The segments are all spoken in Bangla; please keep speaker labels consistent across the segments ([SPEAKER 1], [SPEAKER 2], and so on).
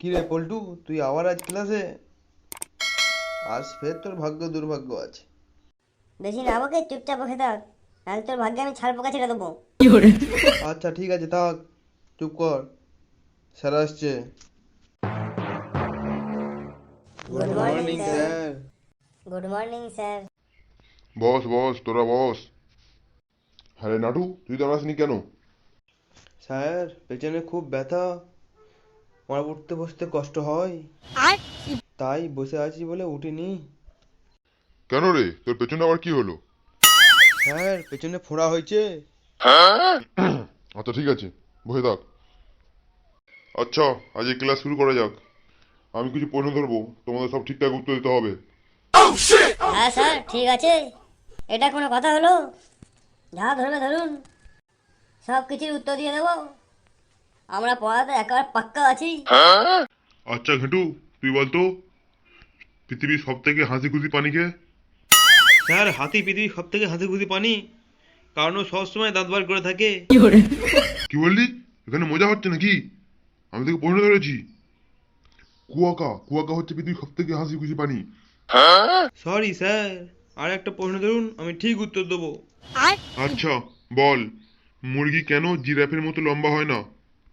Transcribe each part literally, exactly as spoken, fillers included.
[SPEAKER 1] কি রে পল্টু, তুই আবার আজ ক্লাসে? আজ ফের তোর ভাগ্য দুর্ভাগ্য আছে।
[SPEAKER 2] বেশি না আমাকে চুপচাপ বসে থাক, নাহলে তোর ভাগ্যে আমি ছাড় পোকা ছেড়ে দেবো।
[SPEAKER 1] আচ্ছা ঠিক আছে, থাক, চুপ কর, স্যার আসছে।
[SPEAKER 2] Good
[SPEAKER 1] good
[SPEAKER 2] morning
[SPEAKER 1] morning
[SPEAKER 2] sir.
[SPEAKER 1] Sir.
[SPEAKER 2] Good morning sir.
[SPEAKER 3] বস বস তোরা বস। হ্যাঁ রে নাটু, তুই দাঁড়াসনি কেন?
[SPEAKER 1] স্যার, পেছনে খুব ব্যথা, আমার উঠতে বসতে কষ্ট হয়, তাই বসে আছি বলে উঠিনি।
[SPEAKER 3] কেন রে, তোর পেছনে আবার কি হলো?
[SPEAKER 1] স্যার, পেছনে ফোড়া হয়েছে।
[SPEAKER 3] আচ্ছা ঠিক আছে, বসে থাক। আচ্ছা, আজ এই ক্লাস শুরু করা যাক। আমি কিছু প্রশ্ন ধরবো, তোমাদের সব ঠিকঠাক উত্তর দিতে হবে।
[SPEAKER 2] হ্যাঁ স্যার, ঠিক আছে। এটা কোনো কথা হলো? যা ধরবে ধরুন, সব কিছুর উত্তর দিয়ে দেবো। আমরা পড়াতে একেবারে পাক্কা আছি।
[SPEAKER 3] আচ্ছা ঘেটু, তুই বলতো পৃথিবীর সব থেকে হাসি খুশি পানি কে?
[SPEAKER 1] স্যার, হাতি পৃথিবীর সব থেকে হাসি খুশি পানি, কারণ ও সবসময় দাঁত বার করে থাকে।
[SPEAKER 3] কি বললি? এখানে মজা হচ্ছে নাকি? আমি তোকে প্রশ্ন ধরেছি। কুয়াকা, কুয়াকা হচ্ছে পৃথিবীর সব থেকে হাসি খুশি পানি।
[SPEAKER 1] সরি স্যার, আর একটা প্রশ্ন ধরুন, আমি ঠিক উত্তর দেবো।
[SPEAKER 3] আচ্ছা বল, মুরগি কেন জিরাফের মতো লম্বা হয় না?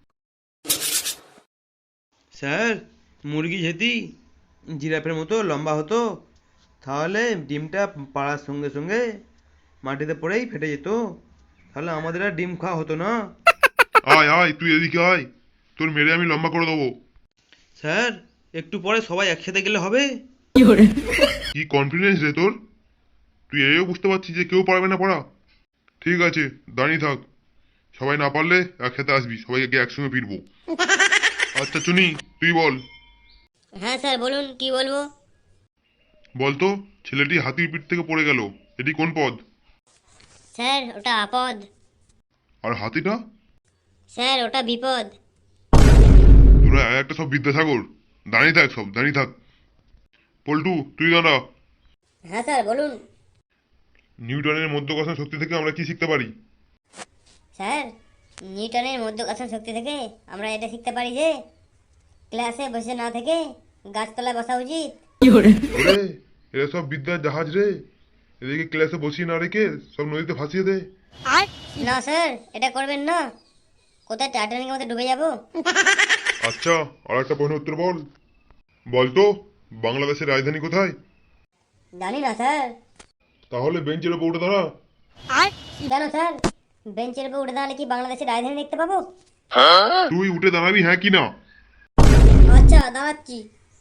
[SPEAKER 1] স্যার, মুরগি যদি জিরাফের মতো লম্বা হতো, তাহলে ডিমটা পাড়ার সঙ্গে সঙ্গে মাটিতে পড়েই ফেটে যেত, তাহলে আমাদের আর ডিম খাওয়া হতো না।
[SPEAKER 3] আয় আয়, তুই এদিকে আয়, তোর মেরে আমি লম্বা করে দেবো।
[SPEAKER 1] স্যার, একটু পরে সবাই একসাথে গেলে হবে?
[SPEAKER 3] কি কনফিডেন্স রে তোর! তুই এও বুঝতে পারছিস যে কেউ পারবে না পড়া? ঠিক আছে, দাঁড়িয়ে থাক। সবাই না পারলে একসাথে আসবি, সবাইকে একসঙ্গে ফিরবো। আচ্ছা চুনি, তুই বল।
[SPEAKER 2] হ্যাঁ স্যার, বলুন কি বলবো।
[SPEAKER 3] বলতো, ছেলেটি হাতির পিঠ থেকে পড়ে গেল, এটি কোন পদ?
[SPEAKER 2] স্যার, ওটা আপদ।
[SPEAKER 3] আর হাতিটা?
[SPEAKER 2] স্যার, ওটা বিপদ।
[SPEAKER 3] তোরা এক একটা সব বিদ্যাসাগর। দাঁড়িয়ে থাক, সব দাঁড়িয়ে থাক। পল্টু, তুই দাঁড়া।
[SPEAKER 2] হ্যাঁ স্যার, বলুন।
[SPEAKER 3] নিউটনের মধ্যাকর্ষণ শক্তি থেকে আমরা কি শিখতে পারি?
[SPEAKER 2] স্যার, নিউটনের মধ্যাকর্ষণ শক্তি থেকে আমরা এটা শিখতে পারি যে ক্লাসে বসে না থেকে গাছতলায় বসা উচিত।
[SPEAKER 3] ওরে, এরা সব বিদ্যার জাহাজ রে। এদিকে ক্লাসে বসিয়ে না রেখে সব নদীতে ভাসিয়ে দে।
[SPEAKER 2] না স্যার, এটা করবেন না, কোথায় টাইটানিকের মধ্যে ডুবে যাব।
[SPEAKER 3] আচ্ছা, আর একটা প্রশ্নের উত্তর বল। বলতো, বাংলাদেশের রাজধানী কোথায়?
[SPEAKER 2] জানি না স্যার।
[SPEAKER 3] তাহলে বেঞ্চের ওপর উঠে দাঁড়া।
[SPEAKER 2] কেন স্যার, বেঞ্চের উপর উঠে দাঁড়ালে কি বাংলাদেশের রাজধানী দেখতে পাবো?
[SPEAKER 3] তুই উঠে দাঁড়াবি, হ্যাঁ কি না?
[SPEAKER 2] আচ্ছা, দাঁড়াচ্ছি।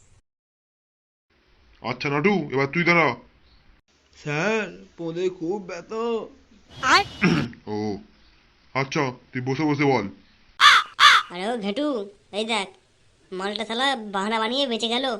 [SPEAKER 3] আচ্ছা নাটু, এবার তুই দাঁড়া।
[SPEAKER 1] স্যার, পোঁদে খুব ব্যথা।
[SPEAKER 3] ও আচ্ছা, তুই বসে বসে বল।
[SPEAKER 2] আরে ও ঘেটু, এই দেখ, মালটা শালা বাহানা বানিয়ে বেঁচে গেল।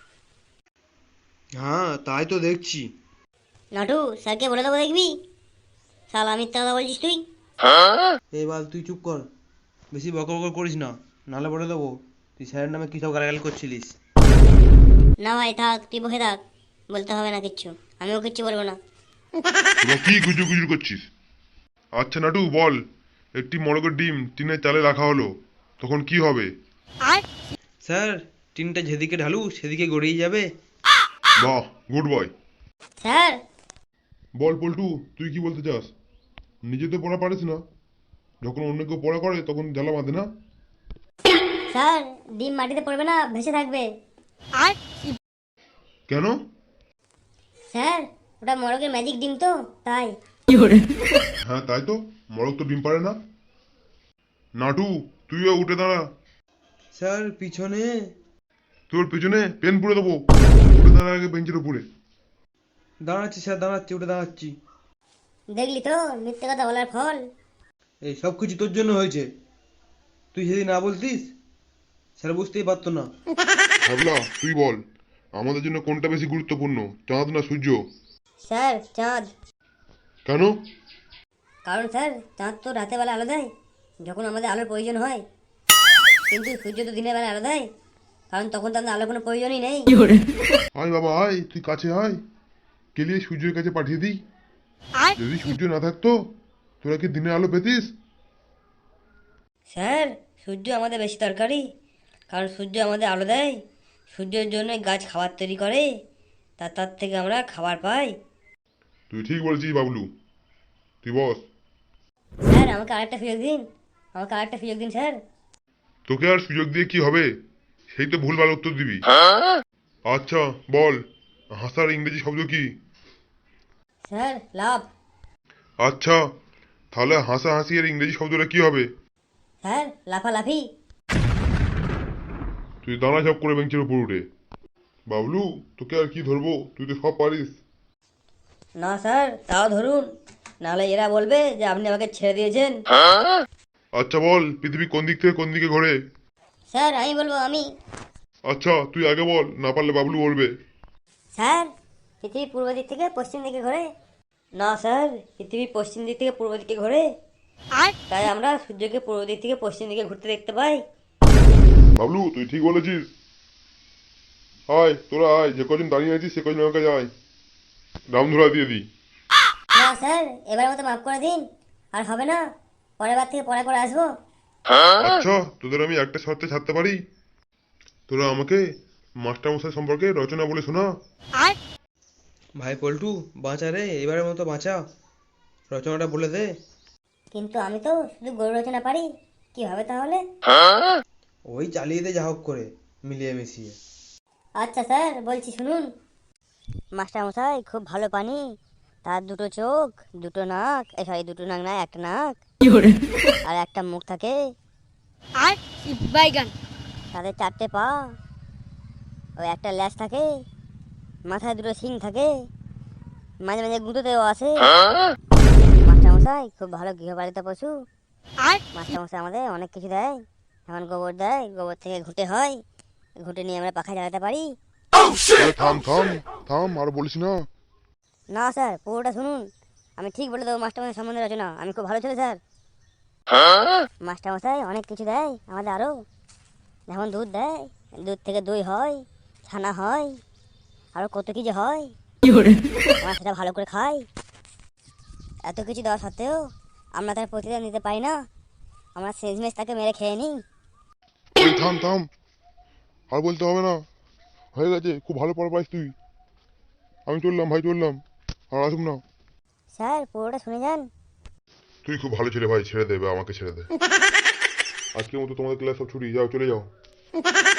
[SPEAKER 1] হ্যাঁ, তাই তো দেখছি।
[SPEAKER 2] নাটু, স্যারকে বলে দেবো দেখবি। শালা মিথ্যা কথা বলছিস তুই।
[SPEAKER 1] এবার তুই চুপ কর, বেশি বকর বকর করিস না, নাহলে বলে দেবো তুই স্যারের নামে কী সব গালাগালি করছিলিস।
[SPEAKER 2] না ভাই, থাক, তুই বসে থাক, বলতে হবে না কিচ্ছু, আমিও কিচ্ছু বলবো না।
[SPEAKER 3] তোরা কি গুজু গুজু করছিস? আচ্ছা নাটু বল, একটি মোরগের ডিম টিনের চালে রাখা হলো, তখন কি হবে?
[SPEAKER 1] স্যার, টিনটা যেদিকে ঢালু সেদিকে গড়িয়ে যাবে।
[SPEAKER 3] বাহ, গুড বয়।
[SPEAKER 2] স্যার।
[SPEAKER 3] বল পল্টু, তুই কি বলতে চাস? নিজে তো পড়া পারিস না, যখন অন্য কেউ পড়া করে তখন জ্বালা বাঁধে না?
[SPEAKER 2] স্যার, ডিম মাটিতে পড়বে না, ভেসে থাকবে।
[SPEAKER 3] কেন?
[SPEAKER 2] স্যার, ওটা মরগের ম্যাজিক ডিম তো, তাই।
[SPEAKER 3] হ্যাঁ তাই তো, মোরগ তো ডিম পারে না। নাটু, তুইও উঠে দাঁড়া।
[SPEAKER 1] স্যার, পিছনে।
[SPEAKER 3] তোর পেছনে পেন পুড়ে দেবো। উঠে দাঁড়া আগে বেঞ্চের উপরে।
[SPEAKER 1] দাঁড়াচ্ছি স্যার, দাঁড়াচ্ছি, উঠে দাঁড়াচ্ছি।
[SPEAKER 2] দেখলি তো মিথ্যে কথা বলার ফল।
[SPEAKER 1] এই সব কিছু তোর জন্য হয়েছে, তুই যদি না বলতিস স্যার বুঝতেই পারতো না।
[SPEAKER 3] ভাবলা, তুই বল, আমাদের জন্য কোনটা বেশি গুরুত্বপূর্ণ, চাঁদ না সূর্য?
[SPEAKER 2] স্যার, চাঁদ।
[SPEAKER 3] কেন?
[SPEAKER 2] কারণ স্যার, চাঁদ তো রাতের বেলা আলো দেয় যখন আমাদের আলোর প্রয়োজন হয়, কিন্তু সূর্য তো দিনের বেলা আলো দেয়, কারণ তখন তো আমাদের আলোর কোনো প্রয়োজনই নেই।
[SPEAKER 3] আয় বাবা আয়, তুই কাছে আয়, কেলিয়ে সূর্যের কাছে পাঠিয়ে দিই। যদি সূর্য না থাকতো, তোরা কি দিনের আলো পেতিস?
[SPEAKER 2] স্যার, সূর্য আমাদের বেশি দরকারি, কারণ সূর্য আমাদের আলো দেয়, সূর্যের জন্য গাছ খাবার তৈরি করে, তা তার থেকে আমরা খাবার পাই।
[SPEAKER 3] তুই ঠিক বলেছিস বাবলু, তুই বস।
[SPEAKER 2] স্যার আমাকে আরেকটা সুযোগ দিন, আমাকে আরেকটা সুযোগ দিন স্যার।
[SPEAKER 3] তোকে আর সুযোগ দিয়ে কি হবে, সেই তো ভুলভাল উত্তর দিবি। আচ্ছা বল, হাসার ইংরেজি শব্দ কি?
[SPEAKER 2] Sir love.
[SPEAKER 3] আচ্ছা, তাহলে হাসা হাসি এর ইংরেজি শব্দটা কি হবে?
[SPEAKER 2] স্যার লাফালাফি।
[SPEAKER 3] তুই দানা ঝাপ করে বেঞ্চের উপর উঠে। বাবলু, তোকে আর কি ধরবো, তুই তো সব পারিস।
[SPEAKER 2] না স্যার তাও ধরুন, নাহলে এরা বলবে যে আপনি আমাকে ছেড়ে দিয়েছেন।
[SPEAKER 3] আচ্ছা বল, পৃথিবী কোন দিক থেকে কোন দিকে ঘোরে?
[SPEAKER 2] স্যার আমি বলবো আমি।
[SPEAKER 3] আচ্ছা তুই আগে বল, না পারলে বাবলু বলবে।
[SPEAKER 2] স্যার পৃথিবী পূর্ব দিক থেকে পশ্চিম দিকে ঘোরে। না স্যার, পৃথিবী পশ্চিম দিক থেকে পূর্ব দিকে ঘোরে, আর তাই আমরা সূর্যকে পূর্ব দিক থেকে পশ্চিম দিকে ঘুরতে দেখতে পাই।
[SPEAKER 3] বাবলু তুই ঠিক বলেছিস। আয় তোরা আয়, যে কজন দাঁড়িয়ে আছিস সে কজন আমাকে যায়, রাম ধরা দিয়ে দিই।
[SPEAKER 2] না স্যার, এবার মতো মাফ করে দিন, আর হবে না, পরের বার থেকে পরে করে আসবো।
[SPEAKER 3] আচ্ছা তোদের আমি একটা শর্তে ছাড়তে পারি, তোরা আমাকে মাস্টারমশাই সম্পর্কে রচনা বলে শোনা।
[SPEAKER 1] ভাই পল্টু, বাঁচা রে, এবারের মতো বাঁচা, রচনাটা বলে দে।
[SPEAKER 2] কিন্তু আমি তো শুধু গরু রচনা পারি, কি হবে তাহলে?
[SPEAKER 1] ওই চালিয়ে দে যা হোক করে, মিলিয়ে মিশিয়ে।
[SPEAKER 2] আচ্ছা স্যার বলছি শুনুন। মাস্টার মশাই খুব ভালো পানি, তার দুটো চোখ, দুটো নাক, এই সরি দুটো নাক না, একটা নাক আর একটা মুখ থাকে,
[SPEAKER 4] আর বাইগান।
[SPEAKER 2] তাদের চারটে পা, ওই একটা ল্যাজ থাকে, মাথায় দুটো শিং থাকে, মাঝে মাঝে গুঁতোতেও আসে। মাস্টার মশাই খুব ভালো গৃহপালিত পশু।
[SPEAKER 4] আর
[SPEAKER 2] মাস্টার মশাই আমাদের অনেক কিছু দেয়, যেমন গোবর দেয়, গোবর থেকে ঘুঁটে হয়, ঘুঁটে নিয়ে আমরা পাখায় জ্বালাতে পারি।
[SPEAKER 3] আরে থাম থাম থাম, আর বলিস না।
[SPEAKER 2] না স্যার পুরোটা শুনুন, আমি ঠিক বলে দেবো মাস্টারমশাই সম্বন্ধে রচনা, আমি খুব ভালো ছেলে স্যার। মাস্টারমশাই অনেক কিছু দেয় আমাদের আরও, যেমন দুধ দেয়, দুধ থেকে দই হয়, ছানা হয়, আরও কত কিছু হয়, আমরা সেটা ভালো করে খাই। এত কিছু দেওয়া সত্ত্বেও আমরা তার প্রতিদান দিতে পারি না, আমরা শেষমেশ তাকে মেরে খেয়ে নিই।
[SPEAKER 3] এই থাম থাম, আর বলতে হবে না, হয়ে গেছে, খুব ভালো পড়া পাইস তুই। আমি চললাম ভাই, চললাম, আর আসুন না।
[SPEAKER 2] স্যার পুরোটা শুনে যান।
[SPEAKER 3] তুই খুব ভালো ছেলে ভাই, ছেড়ে দেবে, আমাকে ছেড়ে দে। আজকের মতো তোমাদের ক্লাস সব ছুটি, যাও চলে যাও।